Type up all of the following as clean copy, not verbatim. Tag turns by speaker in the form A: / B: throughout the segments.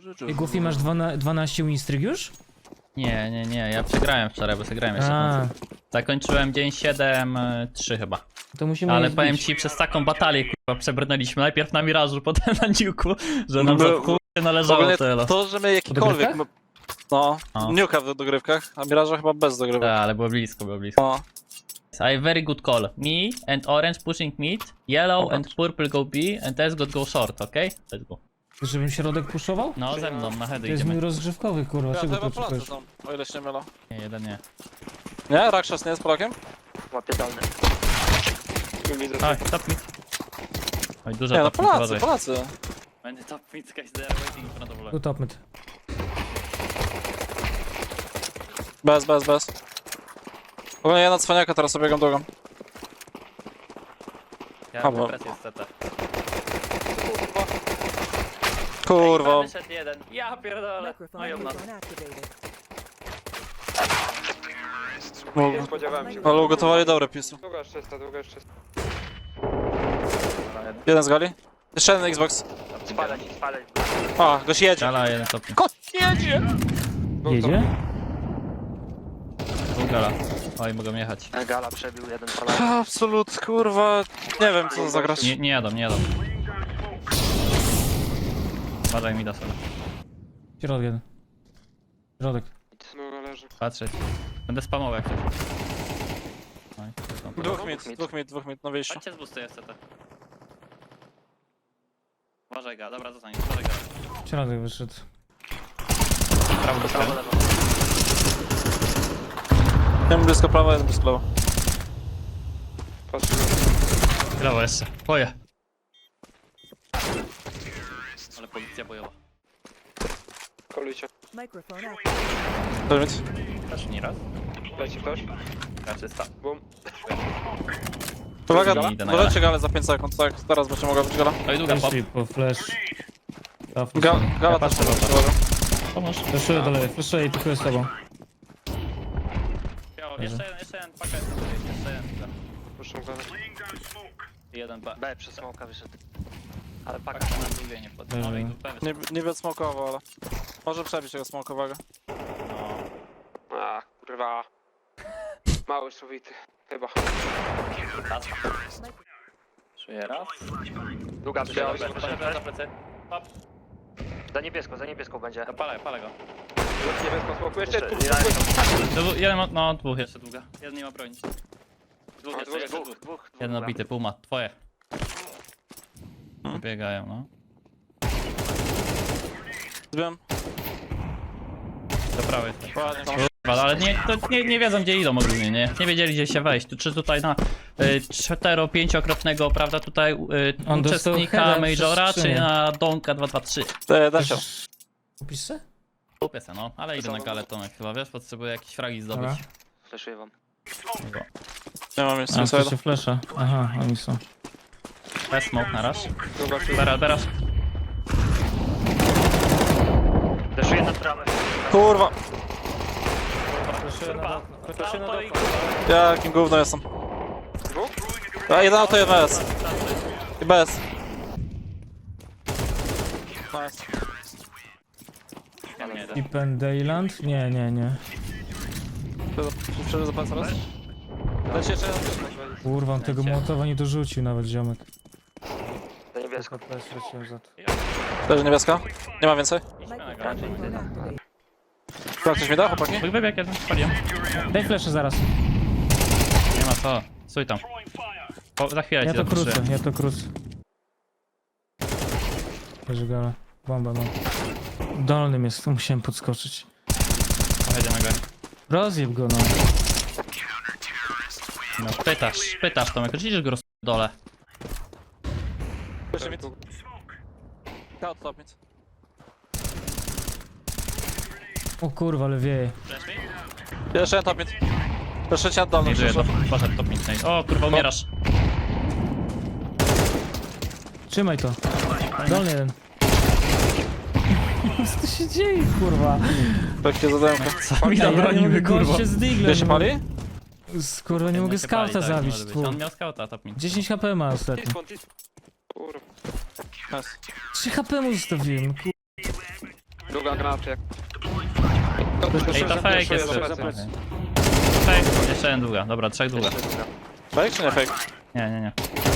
A: I Goofy masz 12 winstryk już?
B: Nie, ja przegrałem wczoraj, bo przegrałem jeszcze końcu. Zakończyłem dzień 7-3 chyba.
A: To musimy
B: Ale
A: je
B: powiem
A: zbić.
B: ci, przez taką batalię kurwa przebrnęliśmy. Najpierw na Mirażu, potem na Niuku, że nam
C: No,
B: za kurwa należało
C: ogólnie
B: tyle.
C: to, że my jakikolwiek...
A: dogrywkach?
C: No,
B: No.
C: Niuka w dogrywkach, a Miraża chyba bez dogrywek.
B: Tak, ale było blisko.
C: No.
B: I very good call. Me and orange pushing mid, yellow and purple go B, and S go short, okay? Let's go.
A: Żebym środek puszował?
B: No ze mną, na heady
A: To jest mój
B: idziemy.
A: rozgrzewkowy, kurwa,
C: Ja
A: czego
C: chyba Polacy
A: potrzebujesz?
C: są, o ile się nie mylę.
B: Nie, jeden nie.
C: Nie? Rakshas nie jest Polakiem?
D: Łapie dolny.
B: Tak, top mid. Oj, dużo
C: Nie, no
B: top mid,
C: Polacy,
B: uważaj.
C: Polacy.
B: Będzie top mid, guys, they are waiting in front of
A: Tu
B: lane.
A: top mid.
C: Bez. Ogólnie ja na cwaniaka teraz obiegam drugą.
B: Ja
C: Dobra.
B: mam presję z CT.
C: Kurwa.
B: Wyszedł jeden. Ja pierdolę. No i u nas.
C: No,
D: Spodziewałem się.
C: ale ugotowali dobre pisy.
D: Długa jeszcze jest, długa jeszcze jest.
C: Jeden z gali. Jeszcze jeden Xbox.
D: Spalać.
C: A, goś jedzie.
B: Gala, jeden top mid.
C: Kot jedzie!
A: Jedzie?
B: Dwóch gala. Oj, mogą jechać.
D: Gala przebił jeden palak.
C: Absolut, kurwa. Nie wiem co za gracz.
B: Nie jadą. Uważaj mi da sobie.
A: Środek jeden. Środek.
D: No leży.
B: Patrzeć. Będę spamował jak coś. Oj, to są
C: Dwóch mit na wyjściu.
B: Chodźcie z boosty CT. Uważaj ga, dobra zostań, uważaj ga.
A: Środek wyszedł.
B: Prawo do
D: Prawo,
B: prawo.
D: lewo.
C: Jeden blisko prawa, jeden blisko lewo.
D: Patrzymy.
B: Brawo jeszcze. Boję. Ale policja bojowa.
D: Kolujcie.
E: Microphone active.
C: Ten mit.
B: Też nie raz.
D: Leci ktoś?
B: Raczysta.
D: Bum.
C: Uwaga,
B: Idę na
C: wolecie galę za 5 sekund, tak? Teraz będzie mogła być gala.
B: No i długa pop.
A: Fleszli po flash.
C: Gala
B: patrzę
C: też
B: na to.
C: uwaga.
B: Pomóż.
A: Fleszuję dalej, fleszuję i pikuję z tobą.
B: Jeszcze jeden pakiet. Jeszcze jeden.
D: Puszczą galę.
B: I jeden B.
D: B przez smoka wyszedł. Ale
B: Paka
D: paka.
B: na drugie nie podał. Może i tu B
C: Nie,
B: wyszedł.
C: nie wiem smokowo, ale... Może przebić tego smokowego.
B: No.
D: A, kurwa. Mały szowity. Chyba.
B: Raz. Czuję raz.
D: Długa
B: Biały,
D: wyszedł.
B: za plecy. Hop.
D: Za niebieską będzie.
B: Palę go.
D: Niebieską smoku. Jeszcze tu.
B: Jeden ma, no dwóch jeszcze długa. Jeden nie ma broni. Dwóch jeszcze, dwóch.
D: Dwóch.
B: Jeden obity, pół ma. Twoje. Biegają, no.
C: Zbiłem.
B: Do prawej.
C: Ładnie.
B: Kurwa, ale nie wiedzą gdzie idą ogólnie, nie? Nie wiedzieli gdzie się wejść. Czy tutaj na 4-5-krotnego, prawda, tutaj
A: On dostał
B: uczestnika
A: heada
B: Majora,
A: przez
B: czy
A: skrzynię.
B: na Donka 2-2-3?
C: Da się.
A: Kupisz se?
B: Kupię se, no, ale idę na galę Tomek chyba, wiesz, potrzebuję jakieś fragi zdobyć.
A: Dobra.
D: Fleszuję wam.
C: Nie mam
A: A,
C: jeszcze
A: to
C: inside.
A: się flesza. Aha, oni są.
B: Bez smoke na raz.
D: Długa się.
B: Teraz.
D: Fleszuję na bramę.
C: Kurwa!
B: Kurwa, auto i
C: Jakim gówno jestem.
D: Dwóch?
C: A jeden auto, jeden bez. I bez. Nice.
B: Ja nie jedę.
A: Deep and Dayland? Nie.
C: Przeżył za pas raz? Leci jeszcze jeden.
A: Kurwa, on tego mołotowa nie dorzucił nawet, ziomek.
D: Za niebieską.
A: Flash leciał za to.
C: Leży niebieska. Nie ma więcej.
B: Idźmy na galę.
E: Microphone activate.
C: Chyba ktoś mi da, chłopaki?
B: Wybieg jeden, spaliłem.
A: Daj flesze zaraz.
B: Nie ma co. Stój tam. Za chwilę
A: Ja
B: ci
A: to
B: zaproszę.
A: krócę. Leży gala. Bomba mam. Dolnym jest, tu musiałem podskoczyć.
B: Jedziemy go.
A: Rozjeb go, no.
B: No, pytasz Tomek, widzisz go dole.
C: Jeszcze mit. Kaut top mit.
A: O kurwa, ale wieje.
C: Jeszcze jeden top mit. Jeszcze cię dolny.
B: Nie żyje, to poszedł top midnight. O kurwa, umierasz.
A: Trzymaj to. Dolny jeden. Co tu się dzieje, kurwa?
C: Takie zadanko.
B: Co mi zabronimy, kurwa.
A: się z diglem.
C: Gdzie się pali?
A: Kurwa, nie mogę
B: się pali,
A: skauta
B: tak,
A: zabić,
B: może być.
A: tu.
B: On miał skauta top mid.
A: 10 HP ma ostatnio.
D: Kurwa.
C: Nice.
A: 3 HP mu zostawiłem,
D: Druga granaty jak...
B: Ej, to fake jest.
D: plecy.
B: Fake, jeszcze jeden długa. Dobra, 3 długa.
C: Fake czy nie fake?
B: Nie.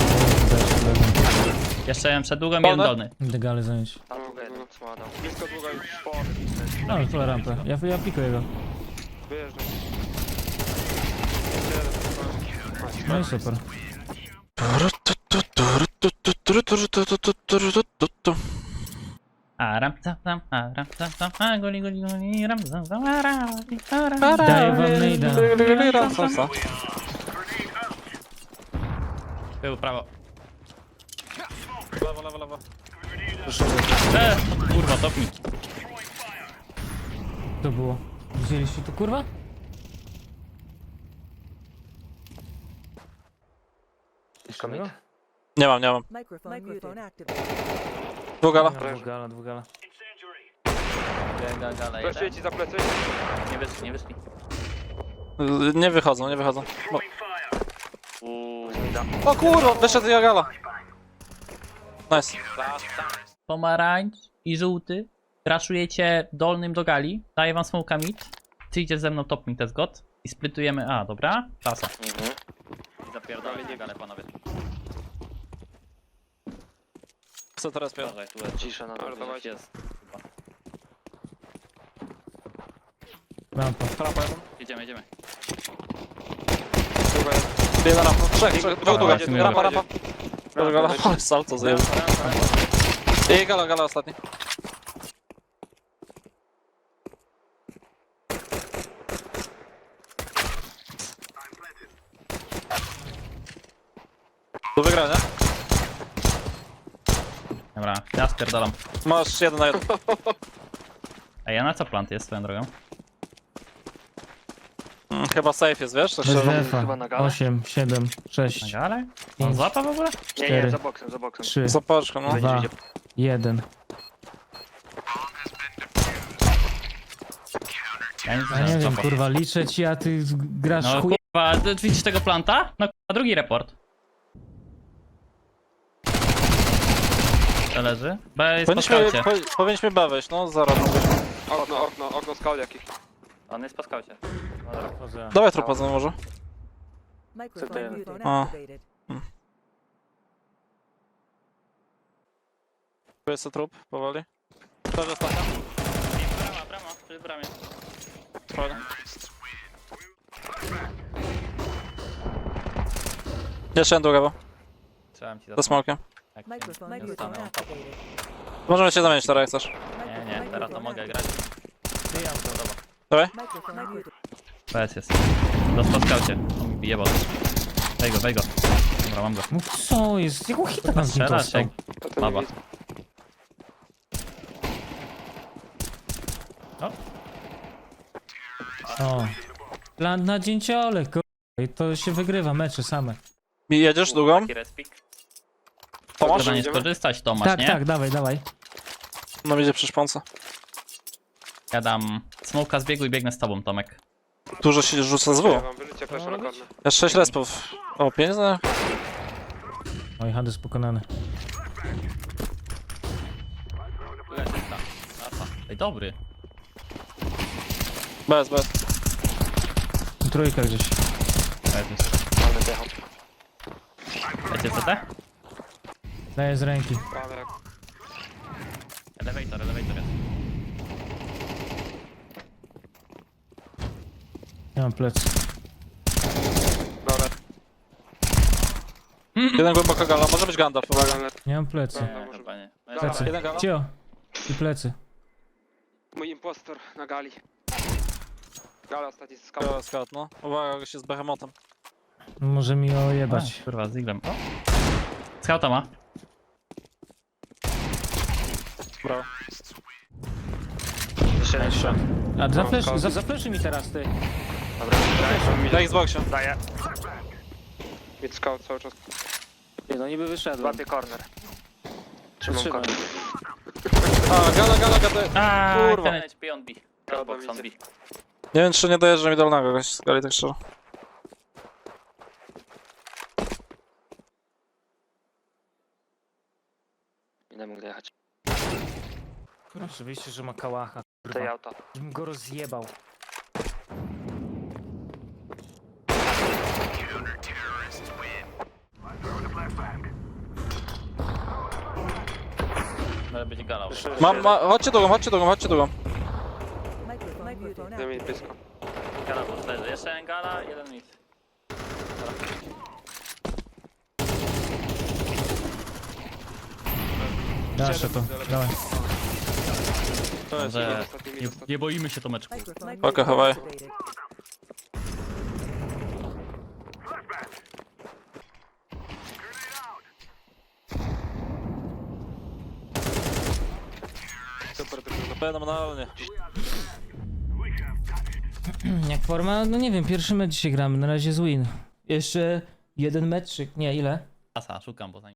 B: Jeszcze jeden przed długą, jeden dolny.
A: Legale zająć.
D: Tam długa jeden, słada. Blisko długa już po...
A: No, tu rampę. Ja pikuję go.
D: Wyjeżdżam.
A: No i super.
B: Goli, ram,
A: Daję wam nejda.
B: Był prawo.
C: Lewo.
B: Kurwa, top mi.
A: To było. Widzieliście to, kurwa?
C: Nie mam.
E: Microphone activated.
C: Dwugala.
A: Dwugala.
B: Gala
D: Flashuję ci za plecy.
B: Nie wyszli.
C: Nie wychodzą. Bo... O kurwa, wyszedł Jagala. Nice.
B: Pomarańcz i żółty. Crashujecie dolnym do gali. Daję wam smoka mid. Ty idziesz ze mną top mid, test god. I splitujemy A, dobra? Klasa. I zapierdolę galę, panowie.
C: Co teraz pier...
B: Cisza na
D: Ale dawajcie.
B: jest.
A: Rampa.
C: Rampa jeden.
B: Jedziemy.
D: Druga jest.
C: Jedna rampa. Trzech. Długa.
B: w sumie
C: Rampa. Gala. Ale salto zajęło. I gala ostatni. Do wygrania.
B: Dobra, ja spierdalam.
C: Masz 1 na 1.
B: Ej, a na co plant jest swoją drogą?
C: Chyba safe jest, wiesz? Tak
A: Bez
C: szczerze.
A: defa.
D: chyba na galę?
A: 8, 7,
B: Na
A: 6,
B: galę? On
A: Pięć.
B: złapa w ogóle?
D: Nie,
A: 4,
D: za boksem.
A: 3,
C: Za paczką, no.
A: 2, 1.
B: Ja nic
A: Ja nie wiem,
B: złapał.
A: kurwa, liczę ci, a ty grasz
B: No
A: chuj...
B: kurwa, widzisz tego planta? No kurwa, drugi report. To leży. B jest po skaucie.
C: Powinniśmy B wejść, no zaraz.
D: Okno skal jakieś.
B: On jest po skaucie.
C: Dawaj trupa za może.
E: Microphone
C: Ah.
E: activated.
C: Tu jest trup, powoli. To jest ostatnia.
B: Brama, przy bramie.
C: Fajnie. Jeszcze jeden długa, bo.
B: Trzymam ci
C: Za smokiem.
B: Jak
E: Microphone
B: nie zostanę on top.
E: activated.
C: Możemy się zamienić teraz, jak chcesz.
B: Nie, teraz to mogę grać.
C: Dawaj.
E: Microphone muted.
B: PS jest. Los po skaucie. On mi bije bot. Wej go. Dobra, mam go.
A: No co jest? Jaką hita nas nie
B: Strzelasz
A: dostał?
B: jak baba.
A: O. Plan na dzięciole, kurwa. I to się wygrywa mecze same.
C: Jedziesz długą?
B: Taki respik.
C: Tomasz?
B: Można nie skorzystać, Tomasz,
A: Tak,
B: nie?
A: tak, dawaj.
C: No idzie przy szponce.
B: Ja dam smoka z biegu i biegnę z tobą, Tomek.
C: Dużo się rzuca z
D: Ja
C: W.
D: wam wyrzucie flasha na kornę.
C: Ja 6 respów. O, 5 za...
A: Oj, Hades pokonany.
B: Ej, dobry.
C: Bez.
A: Trójka gdzieś.
B: Lecie CT?
A: Daję z ręki.
D: Prawie jak...
B: Elevator jest.
A: Nie mam plec.
D: Dobra.
C: Jeden głęboko gala, może być Gandalf.
D: Uwaga, ale
A: Nie mam plecy.
B: Nie, chyba nie.
A: Plecy.
C: Jeden gala.
A: Cio. I plecy.
D: mój impostor na gali. Gala ostatni z skał.
C: Gala scout, no. Uwaga, gość jest behemotem.
A: Może mi ojebać.
B: Kurwa, z iglem. O! Skauta ma.
C: Brawo.
A: A zafleszy mi teraz, ty.
D: Dobra,
C: Na Xboxie.
D: daję. Mid scout cały czas.
F: Nie no, niby wyszedłem.
D: Złapię corner. Trzymam
F: Trzymaj.
D: corner.
C: A, gala. Kurwa.
B: Ten HP on B. Box on B.
C: Nie wiem, czy nie dojeżdża mi dolnego gość z gali, tak szczerze.
F: Nie mógł dojechać.
A: Oczywiście, że ma kałacha,
F: Tej
A: kurwa.
F: auto.
A: Bym go rozjebał.
B: Może być gala.
C: Chodźcie drugą, chodźcie drugą, chodźcie drugą.
E: Microphone muted.
D: Daj mi blisko.
B: Gala plus leży. Jeszcze jeden gala, jeden mid.
A: Daszę to, dawaj.
C: To jest.
B: Dobrze.
D: Ostatni mid,
B: Nie,
D: ostatni.
B: nie boimy się Tomeczku.
E: Microphone
C: Okej, chowaj.
E: activated.
D: Super, tylko
C: Fenomenalnie.
A: Jak forma? No nie wiem, pierwszy mecz dzisiaj gramy, na razie jest win. Jeszcze jeden meczyk, nie, ile?
B: Asa, szukam, bo za